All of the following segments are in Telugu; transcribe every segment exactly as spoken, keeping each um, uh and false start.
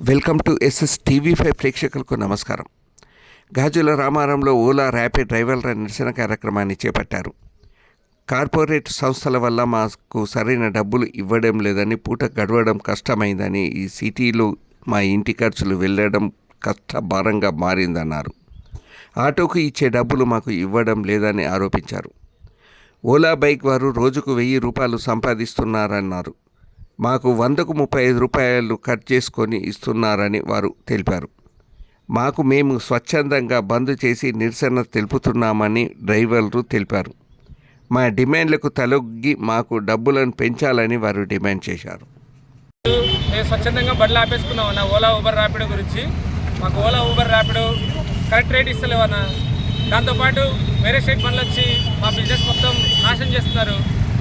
Welcome to SS TV five ప్రేక్షకులకు నమస్కారం. గాజుల రామారంలో ఓలా ర్యాపిడ్ డ్రైవర్ల నిరసన కార్యక్రమాన్ని చేపట్టారు. కార్పొరేట్ సంస్థల వల్ల మాకు సరైన డబ్బులు ఇవ్వడం లేదని, పూట గడవడం కష్టమైందని, ఈ సిటీలో మా ఇంటి ఖర్చులు వెళ్ళడం కష్టభారంగా మారిందన్నారు. ఆటోకు ఇచ్చే డబ్బులు మాకు ఇవ్వడం లేదని ఆరోపించారు. ఓలా బైక్ వారు రోజుకు వెయ్యి రూపాయలు సంపాదిస్తున్నారన్నారు. మాకు వందకు ముప్పై ఐదు రూపాయలు కట్ చేసుకొని ఇస్తున్నారని వారు తెలిపారు. మాకు మేము స్వచ్ఛందంగా బంద్ చేసి నిరసన తెలుపుతున్నామని డ్రైవర్లు తెలిపారు. మా డిమాండ్లకు తలొగ్గి మాకు డబ్బులను పెంచాలని వారు డిమాండ్ చేశారు. మేము స్వచ్ఛందంగా బండ్లు ఆపేసుకున్నాం అన్న ఓలా ఊబర్ ర్యాపిడో గురించి. మాకు Ola Uber Rapido correct rate ఇస్తలేవన్నా. దాంతోపాటు వేరే స్టేట్ బండ్లు వచ్చి మా బిజినెస్ మొత్తం నాశనం చేస్తున్నారు.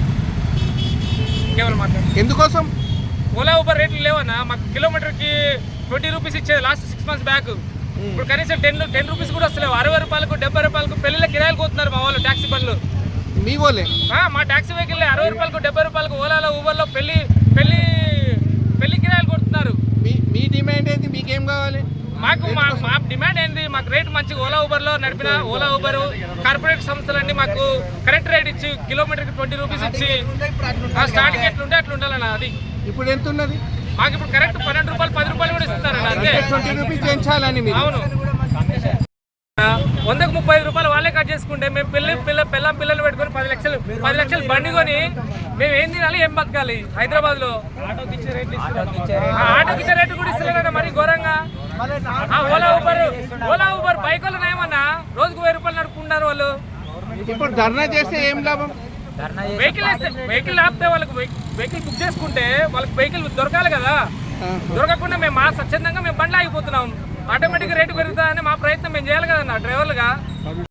కేవలం మాట్లాడు ఎందుకోసం ఓలా ఊబర్ రేట్లు లేవన్నా. మాకు కిలోమీటర్కి ట్వంటీ రూపీస్ ఇచ్చేది లాస్ట్ సిక్స్ మంత్స్ బ్యాక్. ఇప్పుడు కనీసం టెన్ టెన్ రూపీస్ కూడా వస్తలేవు. అరవై రూపాయలకు డెబ్బై రూపాయలకు పెళ్ళిళ్ళ కిరాయిలు పోతున్నారు మా వాళ్ళు ట్యాక్సీ బండ్లు. మీ వాళ్ళే మా ట్యాక్సీ వెహికల్ అరవై రూపాయలకు డెబ్బై రూపాయలకు ఓలాలో ఊబర్లో పెళ్లి పెళ్లి పెళ్లి కిరాయిలు కొడుతున్నారు. మీ మీ డిమాండ్ ఏంటి? మీకేం కావాలి? మాకు మా మా డిమాండ్ ఏంది? మాకు రేట్ మంచిగా ఓలా ఊబర్లో నడిపిన ఓలా ఊబర్ కార్పొరేట్ సంస్థలన్నీ మాకు కరెక్ట్ రేట్ ఇచ్చి కిలోమీటర్కి ట్వంటీ రూపీస్ ఇచ్చి స్టార్టింగ్ ఎట్లుంటే అట్లా ఉండాలన్న. అది ఇప్పుడు ఎంత ఉన్నది? మాకు ఇప్పుడు కరెక్ట్ పన్నెండు రూపాయలు పది రూపాయలు కూడా ఇస్తున్నారన్న. అంతే ట్వంటీ రూపీస్ పెంచాలని మీరు? అవును. వందకు ముప్పై ఐదు రూపాయలు వాళ్ళే కట్ చేసుకుంటే మేము పిల్ల పిల్ల పిల్ల పిల్లలు పెట్టుకొని పది లక్షలు పది లక్షలు బండి కొని మేము ఏం తినాలి, ఏం బతకాలి? హైదరాబాద్ లో ఆటోకి ఇచ్చే రేటు కూడా ఇస్తలేరన్న మరి ఘోరంగా. Ola Uber Ola Uber bike వాళ్ళు ఏమన్నా రోజుకు వెయ్యి రూపాయలు నడుపుకుంటారు వాళ్ళు. ఇప్పుడు ధర్నా చేస్తే ఏం లాభం? వెహికల్ వేస్తే వెహికల్ ఆపితే వాళ్ళకి వెహికల్ బుక్ చేసుకుంటే వాళ్ళకి వెహికల్ దొరకాలి కదా. దొరకకుండా మేము మా స్వచ్ఛందంగా మేము బండ్లు ఆగిపోతున్నాం. ఆటోమేటిక్గా రేటు పెరుగుతుందని మా ప్రయత్నం మేము చేయాలి కదన్నా డ్రైవర్లుగా.